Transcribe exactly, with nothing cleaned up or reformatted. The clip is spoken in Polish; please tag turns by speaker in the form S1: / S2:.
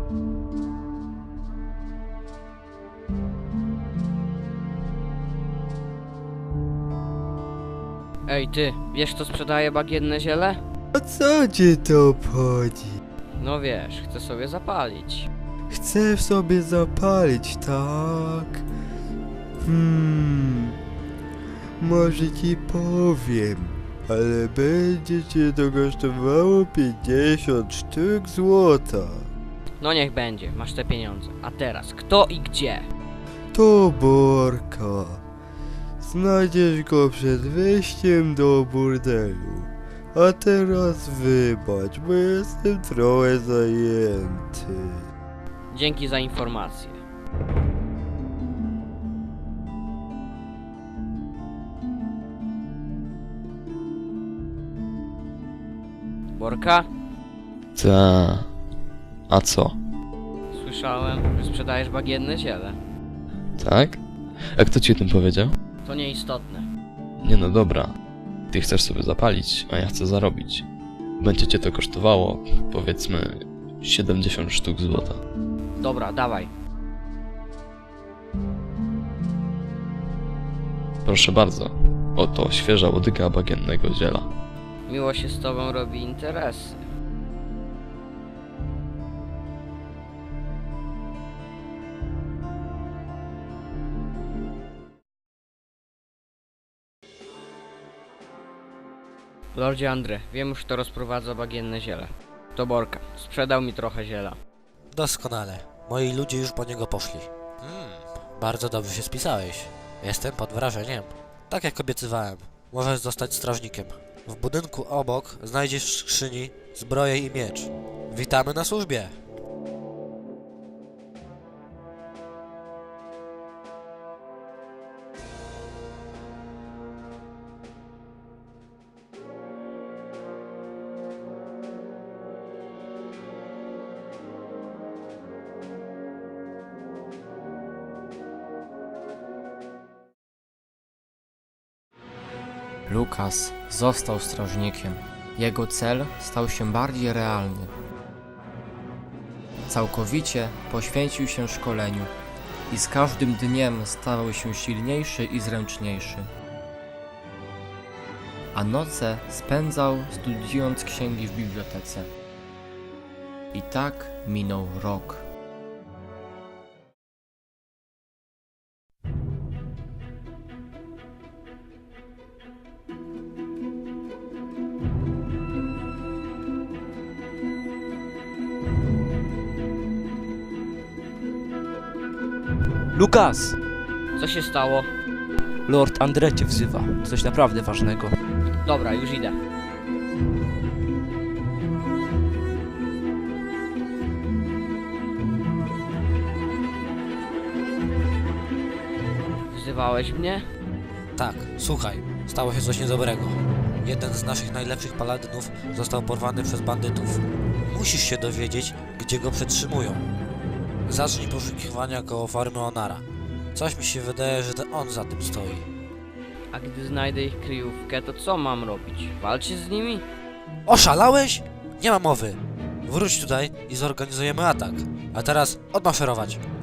S1: Ej ty, wiesz kto sprzedaje bagienne ziele?
S2: A co cię to obchodzi?
S1: No wiesz, chcę sobie zapalić.
S2: Chcę sobie zapalić, tak? Hmm... Może ci powiem, ale będzie cię to kosztowało pięćdziesiąt sztuk złota.
S1: No niech będzie, masz te pieniądze. A teraz, kto i gdzie?
S2: To Borka. Znajdziesz go przed wejściem do burdelu. A teraz wybacz, bo jestem trochę zajęty.
S1: Dzięki za informację. Borka?
S3: Ta... A co?
S1: Słyszałem, że sprzedajesz bagienne ziele.
S3: Tak? A kto ci o tym powiedział?
S1: To nieistotne.
S3: Nie no dobra. Ty chcesz sobie zapalić, a ja chcę zarobić. Będzie cię to kosztowało, powiedzmy, siedemdziesiąt sztuk złota.
S1: Dobra, dawaj.
S3: Proszę bardzo. Oto świeża łodyga bagiennego ziela.
S1: Miło się z tobą robi interesy. Lordzie Andre, wiem już kto rozprowadza bagienne ziele. To Borka. Sprzedał mi trochę ziela.
S4: Doskonale. Moi ludzie już po niego poszli. Hmm, bardzo dobrze się spisałeś. Jestem pod wrażeniem. Tak jak obiecywałem, możesz zostać strażnikiem. W budynku obok znajdziesz w skrzyni zbroję i miecz. Witamy na służbie!
S5: Lukas został strażnikiem. Jego cel stał się bardziej realny. Całkowicie poświęcił się szkoleniu i z każdym dniem stawał się silniejszy i zręczniejszy. A noce spędzał studiując księgi w bibliotece. I tak minął rok.
S6: Lukas!
S1: Co się stało?
S6: Lord Andre cię wzywa. Coś naprawdę ważnego.
S1: Dobra, już idę. Wzywałeś mnie?
S4: Tak, słuchaj, stało się coś niedobrego. Jeden z naszych najlepszych paladynów został porwany przez bandytów. Musisz się dowiedzieć, gdzie go przetrzymują. Zacznij poszukiwania koło farmy Onara. Coś mi się wydaje, że to on za tym stoi.
S1: A gdy znajdę ich kryjówkę, to co mam robić? Walczyć z nimi?
S4: Oszalałeś? Nie ma mowy. Wróć tutaj i zorganizujemy atak. A teraz odmaszerować.